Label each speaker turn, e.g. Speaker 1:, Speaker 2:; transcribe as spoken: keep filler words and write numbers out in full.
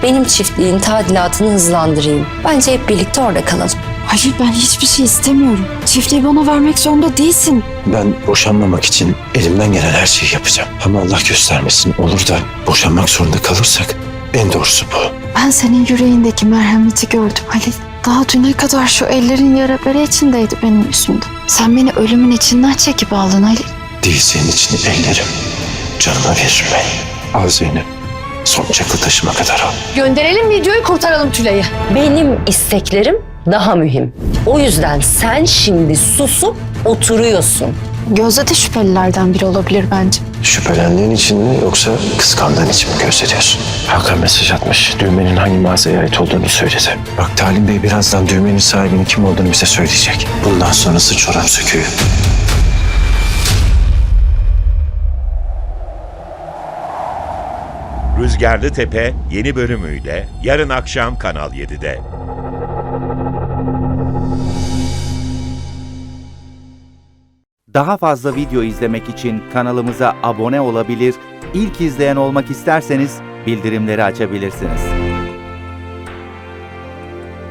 Speaker 1: benim çiftliğin tadilatını hızlandırayım. Bence hep birlikte orada kalalım.
Speaker 2: Hayır, ben hiçbir şey istemiyorum. Çiftliği bana vermek zorunda değilsin.
Speaker 3: Ben boşanmamak için elimden gelen her şeyi yapacağım. Ama Allah göstermesin, olur da boşanmak zorunda kalırsak en doğrusu bu.
Speaker 2: Ben senin yüreğindeki merhameti gördüm Halil. Daha düne kadar şu ellerin yara bere içindeydi benim yüzümden. Sen beni ölümün içinden çekip aldın Halil.
Speaker 3: Değil senin için ellerim. Canıma veririm ben. Al Zeynep. Son çakı taşıma kadar al.
Speaker 4: Gönderelim videoyu, kurtaralım Tülay'ı.
Speaker 1: Benim isteklerim daha mühim. O yüzden sen şimdi susup oturuyorsun.
Speaker 2: Gözde de şüphelilerden biri olabilir bence.
Speaker 3: Şüphelendiğin için mi yoksa kıskandığın için mi gösteriyorsun? Hakan mesaj atmış. Düğmenin hangi mağazaya ait olduğunu söyledi. Bak Talim Bey birazdan düğmenin sahibinin kim olduğunu bize söyleyecek. Bundan sonrası çorap söküğü.
Speaker 5: Rüzgarlı Tepe yeni bölümüyle yarın akşam Kanal yedide.
Speaker 6: Daha fazla video izlemek için kanalımıza abone olabilir, ilk izleyen olmak isterseniz bildirimleri açabilirsiniz.